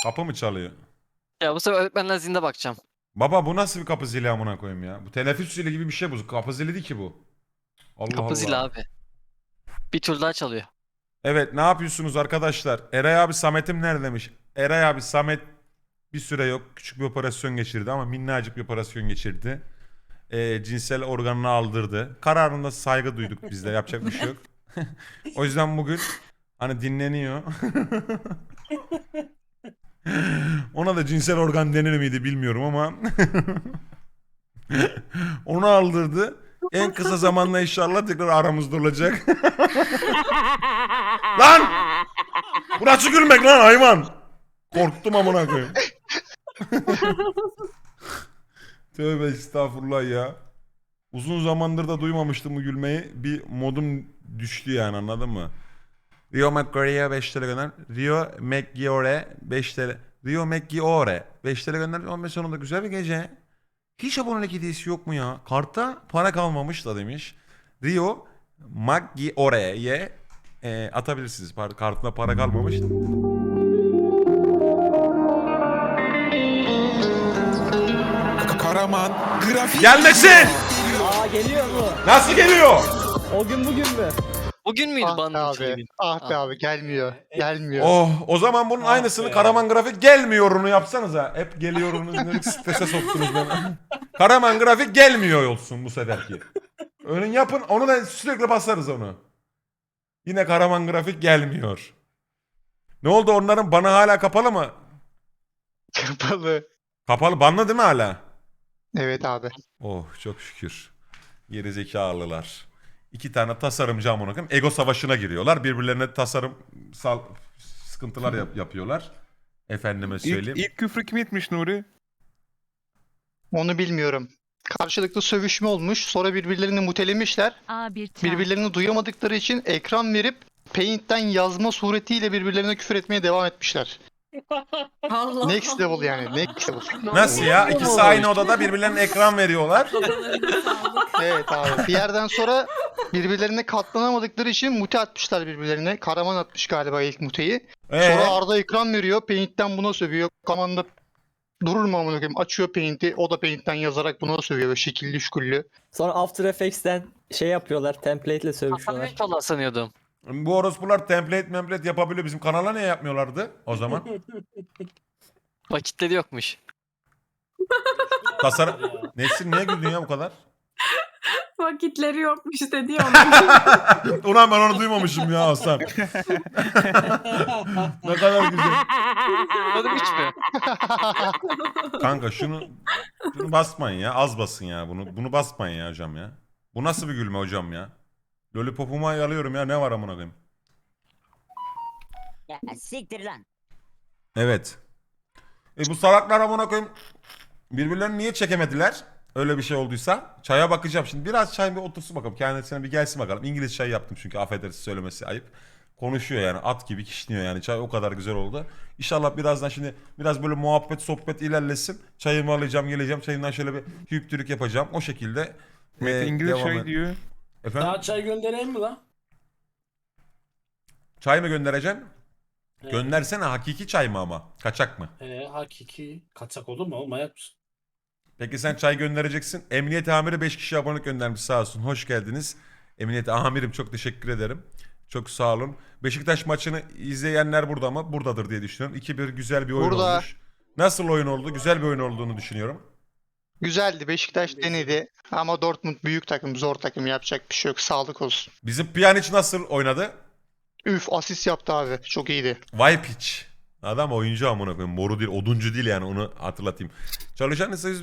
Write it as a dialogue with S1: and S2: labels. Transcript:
S1: Kapı mı çalıyor?
S2: Ya bu sefer öğretmenler zinde bakacağım.
S1: Baba bu nasıl bir kapı zili amına koyayım ya? Bu teneffüs zili gibi bir şey bu. Kapı zili değil ki bu. Allah
S2: Kapı zili
S1: Allah.
S2: abi. Bir tur daha çalıyor.
S1: Evet, ne yapıyorsunuz arkadaşlar? Eray abi Samet'im nerede demiş. Eray abi Samet bir süre yok. Küçük bir operasyon geçirdi ama minnacık bir operasyon geçirdi. Cinsel organını aldırdı. Kararında saygı duyduk biz de. Yapacak bir şey yok. O yüzden bugün hani dinleniyor. Ona da cinsel organ denir miydi bilmiyorum ama onu aldırdı. En kısa zamanda inşallah tekrar aramızda olacak. Lan! Bu nasıl gülmek lan hayvan? Korktum amına koyayım. Tövbe estağfurullah ya. Uzun zamandır da duymamıştım bu gülmeyi. Bir modum düştü yani, anladın mı? Rio McGuire'ye 5 TL gönder. Rio McGuire 5 TL. Rio McGuire 5 TL gönder. 15 sonunda güzel bir gece. Hiç abonelik hediyesi yok mu ya? Kartta para kalmamış da demiş. Rio McGuire'ye atabilirsiniz. Kartına para kalmamış.
S3: Karaman grafik
S1: Gelmesin!
S4: Aa geliyor mu?
S1: Nasıl geliyor?
S4: O gün bugün mü?
S2: Bugün müydü
S5: Ah be
S2: bandın
S5: abi.
S2: filmi?
S5: Ah be abi gelmiyor. Gelmiyor.
S1: Oh, o zaman bunun
S6: Ah
S1: aynısını
S6: be.
S1: Karaman Grafik gelmiyorunu yapsanıza. Hep geliyorunu strese soktunuz beni. Karaman Grafik gelmiyor olsun bu seferki. Öyle yapın, onu da sürekli basarız onu. Yine Karaman Grafik gelmiyor. Ne oldu, onların bana hala kapalı mı?
S5: Kapalı.
S1: Kapalı, banlı değil mi hala?
S5: Evet abi.
S1: Oh çok şükür. Geri zekalılar. İki tane tasarımcı amına koyayım ego savaşına giriyorlar. Birbirlerine tasarımsal sıkıntılar yapıyorlar. Efendime söyleyeyim.
S3: İlk küfrü kim etmiş Nuri?
S5: Onu bilmiyorum. Karşılıklı sövüşme olmuş. Sonra birbirlerini mutelemişler.
S7: A1 çağ.
S5: Birbirlerini duyamadıkları için ekran verip Paint'ten yazma suretiyle birbirlerine küfür etmeye devam etmişler.
S6: Allah
S5: Next level yani. Next level.
S1: Nasıl ya? İkisi aynı odada birbirlerine ekran veriyorlar.
S5: Evet abi. Bir yerden sonra birbirlerine katlanamadıkları için mute atmışlar birbirlerine. Karaman atmış galiba ilk muteyi. Sonra Arda ekran veriyor. Paint'ten buna sövüyor. Karaman da durur mu amına koyayım? Açıyor Paint'i. O da Paint'ten yazarak buna sövüyor. Böyle şekilli şüküllü.
S4: Sonra After Effects'ten şey yapıyorlar, template'le sövüşüyorlar.
S2: Aferin sanıyordum.
S1: Bu orospular template yapabiliyor. Bizim kanala niye yapmıyorlardı o zaman?
S2: Vakitleri yokmuş.
S1: Tasarım... Nesin niye güldün ya bu kadar?
S6: vakitleri yokmuş dedi ya onun.
S1: Ulan ben onu duymamışım ya Hasan. Ne kadar güzel.
S2: Anladım hiç mi?
S1: Kanka şunu basmayın ya. Az basın ya bunu. Bunu basmayın ya hocam ya. Bu nasıl bir gülme hocam ya? Lollipop'uma yalıyorum ya. Ne var amına koyayım?
S8: Ya siktir lan.
S1: Evet. Bu salaklar amına koyayım birbirlerini niye çekemediler? Öyle bir şey olduysa. Çaya bakacağım şimdi. Biraz çay bir otursun bakalım. Kendisine bir gelsin bakalım. İngiliz çay yaptım çünkü, affedersin söylemesi ayıp. Konuşuyor yani, at gibi kişniyor yani. Çay o kadar güzel oldu. İnşallah birazdan şimdi biraz böyle muhabbet sohbet ilerlesin. Çayımı alacağım geleceğim. Çayımdan şöyle bir hüptürük yapacağım. O şekilde
S3: Mete İngiliz
S1: devam
S3: şey
S1: et.
S3: diyor.
S1: Efendim?
S6: Daha çay göndereyim mi lan?
S1: Çay mı göndereceksin?
S6: He.
S1: Göndersene, hakiki çay mı ama? Kaçak mı?
S6: Hakiki. Kaçak olur mu oğlum, manyak mısın?
S1: Peki sen çay göndereceksin. Emniyet amiri 5 kişi abonelik göndermiş, sağ olsun. Hoş geldiniz. Emniyet amirim çok teşekkür ederim. Çok sağ olun. Beşiktaş maçını izleyenler burada mı? Buradadır diye düşünüyorum. 2-1 güzel bir oyun
S5: Burada.
S1: olmuş. Nasıl oyun oldu? Güzel bir oyun olduğunu düşünüyorum.
S5: Güzeldi. Beşiktaş denedi. Ama Dortmund büyük takım, zor takım. Yapacak bir şey yok. Sağlık olsun.
S1: Bizim Pjanic nasıl oynadı?
S5: Üf, asist yaptı abi. Çok iyiydi.
S1: Vay piç. Adam oyuncu amına koyayım. Moru değil, oduncu değil yani, onu hatırlatayım. Çalışan ise